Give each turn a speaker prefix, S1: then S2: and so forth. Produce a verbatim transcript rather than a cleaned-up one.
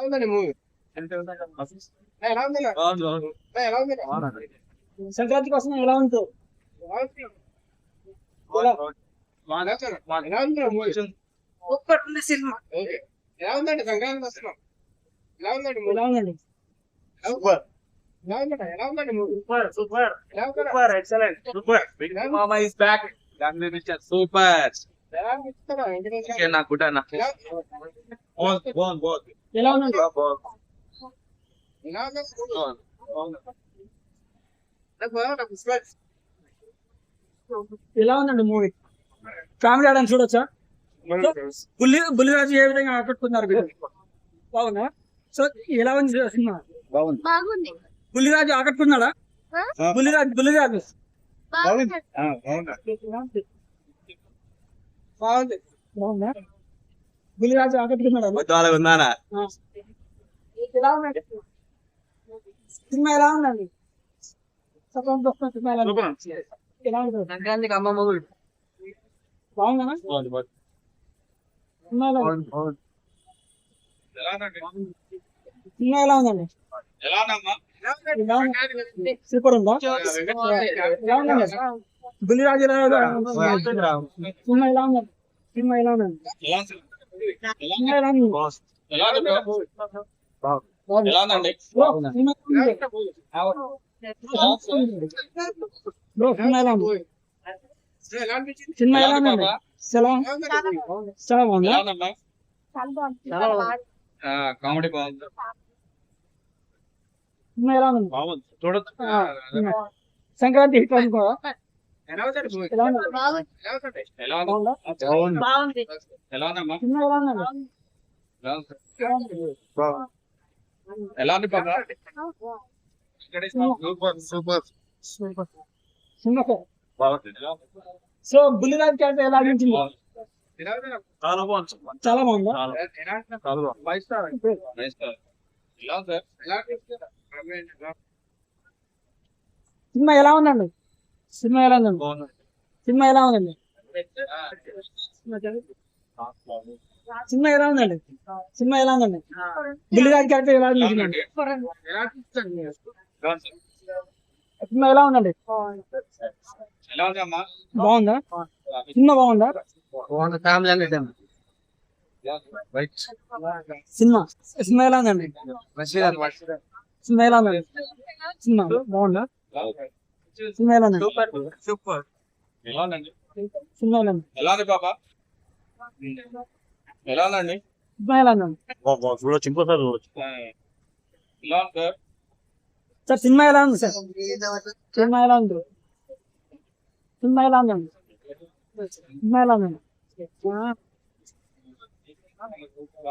S1: ఉందండి మూవీ? ఎలా ఉంది? ఎలా ఉంది?
S2: సంక్రాంతి కోసం ఎలా ఉంటుంది?
S1: ఎలా ఉంది మూవీ?
S2: సూపర్ ఉంది సినిమా.
S1: ఎలా ఉందండి సంక్రాంతి వస్తున్నాం? ఎలా ఉందండి మూవీ?
S2: ఎలా ఉందండి?
S1: సూపర్. ఎలా ఉందండి? ఎలా ఉందండి మూవీ?
S2: సూపర్ సూపర్
S1: ఎలా ఉందండి?
S2: Super excellent super.
S3: Big Mama is back. Family picture super.
S1: ఎలా అనిపిస్తుందో Venkatesh
S3: Okay, na good na.
S1: ఎలా
S3: On, on, on.
S2: ఎలా ఉందండి?
S1: ఎలా ఉంది?
S3: On.
S1: నాకు బాగా పుష్పరాజ్.
S2: ఎలా ఉందండి మూవీ? ఫ్యామిలీ ఆడని చూడొచ్చా? బుల్లి బుల్లిరాజు ఏ విధంగా ఆకట్టుకున్నారు మీరు? బాగుందా? సో ఎలా ఉంది సినిమా?
S4: బాగుంది.
S2: బుల్లిరాజు ఆకట్టుకున్నాడా? బుల్లిరాజు బుల్లిరాజు
S4: బాగుంది.
S2: బాగుంది. బాగుందా? బుల్లిరాజు ఆకట్టుకున్నాడా?
S3: Betul gimana?
S2: ఆ. ఎలా ఉందండి సినిమా? ఎలా ఉందండి? సంక్రాంతి వస్తున్న సినిమా ఎలా ఉంది? ఎలా ఉంటుంది?
S1: సంక్రాంతికి అమ్మ మొగుడు.
S2: బాగుందా?
S3: On, on.
S2: సినిమా ఎలా ఉంది?
S3: On, on. ఎలా ఉందండి?
S2: సినిమా ఎలా ఉందండి?
S3: ఎలా ఉందమ్మా?
S2: ఎలా ఉంది? సూపర్ ఉందా? ఎలా ఉందండి? బుల్లిరాజు ఎలా ఉంది? సినిమా ఎలా ఉందండి? సినిమా ఎలా ఉందండి?
S3: ఎలా ఉంది?
S2: సినిమా ఎలా ఉంది?
S3: ఎలా ఉంది bro?
S2: బాగుంది.
S3: ఎలా ఉందండి?
S2: బ్రో, సినిమా ఎలా ఉంది? బ్రో, సినిమా ఎలా ఉంది?
S1: ఎలా అనిపించింది?
S2: సినిమా ఎలా ఉందండి? చాలా
S1: ఎలా ఉందండి?
S2: చాలా బాగుందా?
S3: ఎలా ఉందమ్మా?
S4: చాలా బాగుంది.
S2: చాలా బాగుంది.
S3: ఆ, కామెడీ బాగుంది.
S2: సినిమా ఎలా ఉంది?
S3: బాగుంది. చూడొచ్చు.
S2: ఆ, సినిమా. సంక్రాంతి హిట్ అనుకో.
S1: ఎలా ఉందండి మూవీ?
S2: ఎలా ఉంది?
S4: బాగుంది.
S1: ఎలా ఉందండి?
S3: ఎలా ఉంది?
S2: బాగుందా?
S3: బాగుంది.
S4: బాగుంది.
S3: ఎలా ఉందమ్మా?
S2: సినిమా ఎలా ఉందండి?
S3: ఎలా ఉంది?
S2: ఎలా ఉంది?
S3: ఎలా ఉంది పాప? Super super
S2: super. Cinema sir.
S3: బాగుంది. ఎలా ఉంది?
S2: సో బుల్లిరాజ్ క్యారెక్టర్ ఎలా అనిపించింది?
S1: ఎలా ఉందండి?
S3: చాలా బాగుంది.
S2: చాలా బాగుందా?
S3: చాలా
S1: ఎలా ఉందండి?
S3: చాలా బాగుంది.
S1: Five star.
S3: Nice sir. ఎలా ఉంది సార్?
S1: ఎలా అనిపిస్తుంది? ఎలా
S2: సినిమా ఎలా ఉందండి? సినిమా ఎలా ఉందండి?
S3: బాగుంది.
S2: సినిమా ఎలా ఉందండి? సినిమా ఎలా ఉందండి? సినిమా ఎలా ఉందండి? బుల్లిరాజ్ క్యారెక్టర్ ఎలా అనిపించింది?
S1: ఎలా అనిపిస్తుంది?
S3: ఎలా ఉంది సార్?
S2: సినిమా ఎలా ఉందండి?
S3: ఎలా ఉంది అమ్మా?
S2: బాగుందా? సినిమా బాగుందా?
S1: ఫ్యామిలీ అనేది
S3: రైట్.
S2: సినిమా సినిమా ఎలా ఉందండి? సినిమా ఎలా ఉందండి? సినిమా బాగుందా? సినిమా ఎలా ఉందండి?
S1: Super super.
S3: ఎలా ఉందండి?
S2: సినిమా ఎలా ఉంది?
S3: ఎలా ఉంది పాప? ఎలా ఉందండి?
S2: సినిమా ఎలా ఉందండి?
S3: చూడొచ్చు. ఇంకోసారి చూడొచ్చు. ఎలా ఉంది సార్?
S2: సార్ సినిమా ఎలా ఉంది సార్? సినిమా ఎలా ఉంది? సినిమా ఎలా ఉందండి? సినిమా ఎలా ఉందండి?